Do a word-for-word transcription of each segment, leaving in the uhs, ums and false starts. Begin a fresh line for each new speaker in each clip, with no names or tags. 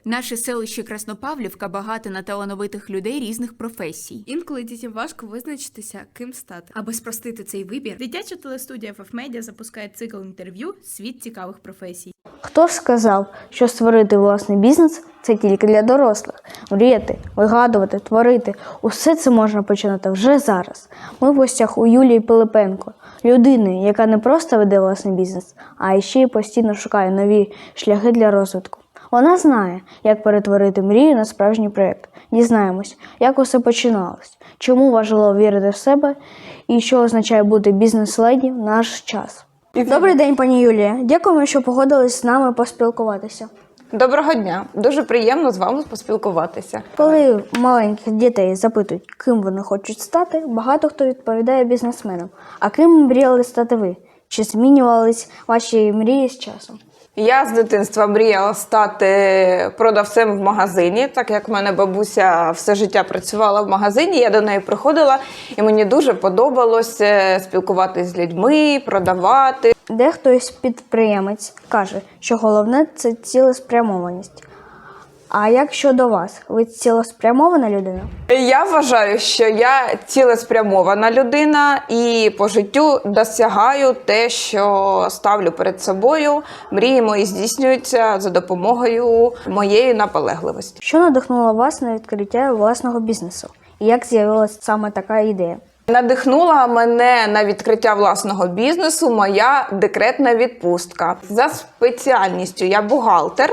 Наше селище Краснопавлівка багато на талановитих людей різних професій.
Інколи дітям важко визначитися, ким стати.
Аби спростити цей вибір, дитяча телестудія еф еф Media запускає цикл інтерв'ю «Світ цікавих професій».
Хто ж сказав, що створити власний бізнес – це тільки для дорослих? Мріяти, вигадувати, творити – усе це можна починати вже зараз. Ми в гостях у Юлії Пилипенко, людини, яка не просто веде власний бізнес, а ще й постійно шукає нові шляхи для розвитку. Вона знає, як перетворити мрію на справжній проєкт. Дізнаємось, як усе починалось, чому важливо вірити в себе і що означає бути бізнес-леді в наш час. Добрий день, пані Юлія. Дякуємо, що погодились з нами поспілкуватися.
Доброго дня. Дуже приємно з вами поспілкуватися.
Коли маленьких дітей запитують, ким вони хочуть стати, багато хто відповідає бізнесменам. А ким мріяли стати ви? Чи змінювались ваші мрії з часом?
Я з дитинства мріяла стати продавцем в магазині, так як в мене бабуся все життя працювала в магазині, я до неї приходила, і мені дуже подобалось спілкуватися з людьми, продавати.
Дехтось підприємець каже, що головне – це цілеспрямованість. А як щодо вас? Ви цілеспрямована людина?
Я вважаю, що я цілеспрямована людина і по життю досягаю те, що ставлю перед собою. Мрії мої здійснюються за допомогою моєї наполегливості.
Що надихнуло вас на відкриття власного бізнесу? І як з'явилася саме така ідея?
Надихнула мене на відкриття власного бізнесу моя декретна відпустка. За спеціальністю я бухгалтер,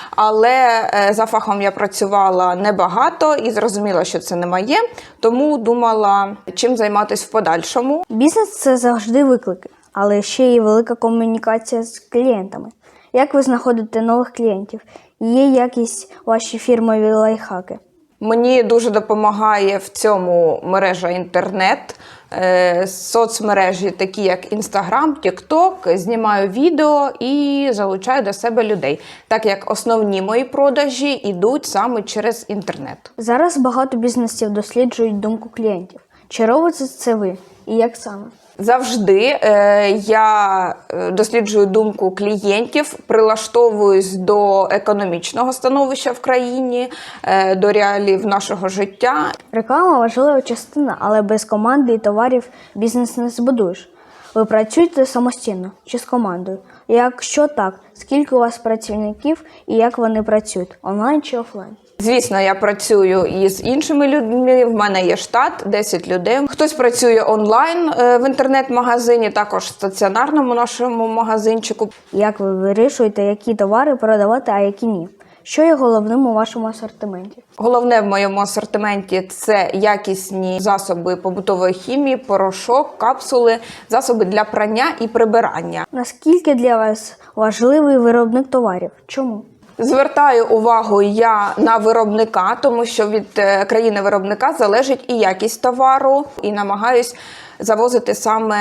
але за фахом я працювала небагато і зрозуміла, що це не моє, тому думала, чим займатися в подальшому.
Бізнес – це завжди виклики, але ще є велика комунікація з клієнтами. Як ви знаходите нових клієнтів? Є якісь ваші фірмові лайфхаки?
Мені дуже допомагає в цьому мережа інтернет, е, соцмережі такі як Інстаграм, Тікток, знімаю відео і залучаю до себе людей, так як основні мої продажі йдуть саме через інтернет.
Зараз багато бізнесів досліджують думку клієнтів. Чи робите це ви? І як саме?
Завжди е, я досліджую думку клієнтів, прилаштовуюсь до економічного становища в країні, е, до реалій нашого життя.
Реклама – важлива частина, але без команди і товарів бізнес не збудуєш. Ви працюєте самостійно чи з командою? Якщо так, скільки у вас працівників і як вони працюють, онлайн чи офлайн?
Звісно, я працюю із іншими людьми, в мене є штат, десять людей. Хтось працює онлайн в інтернет-магазині, також в стаціонарному нашому магазинчику.
Як ви вирішуєте, які товари продавати, а які ні? Що є головним у вашому асортименті?
Головне в моєму асортименті – це якісні засоби побутової хімії, порошок, капсули, засоби для прання і прибирання.
Наскільки для вас важливий виробник товарів? Чому?
Звертаю увагу я на виробника, тому що від країни-виробника залежить і якість товару, і намагаюсь завозити саме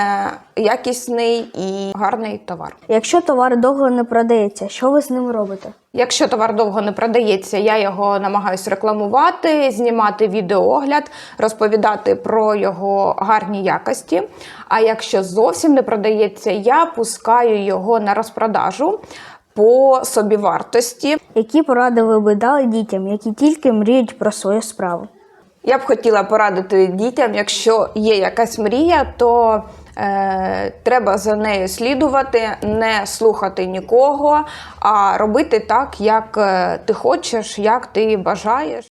якісний і гарний товар.
Якщо товар довго не продається, що ви з ним робите?
Якщо товар довго не продається, я його намагаюсь рекламувати, знімати відеоогляд, розповідати про його гарні якості. А якщо зовсім не продається, я пускаю його на розпродажу по собівартості.
Які поради ви би дали дітям, які тільки мріють про свою справу?
Я б хотіла порадити дітям, якщо є якась мрія, то е, треба за нею слідувати, не слухати нікого, а робити так, як ти хочеш, як ти бажаєш.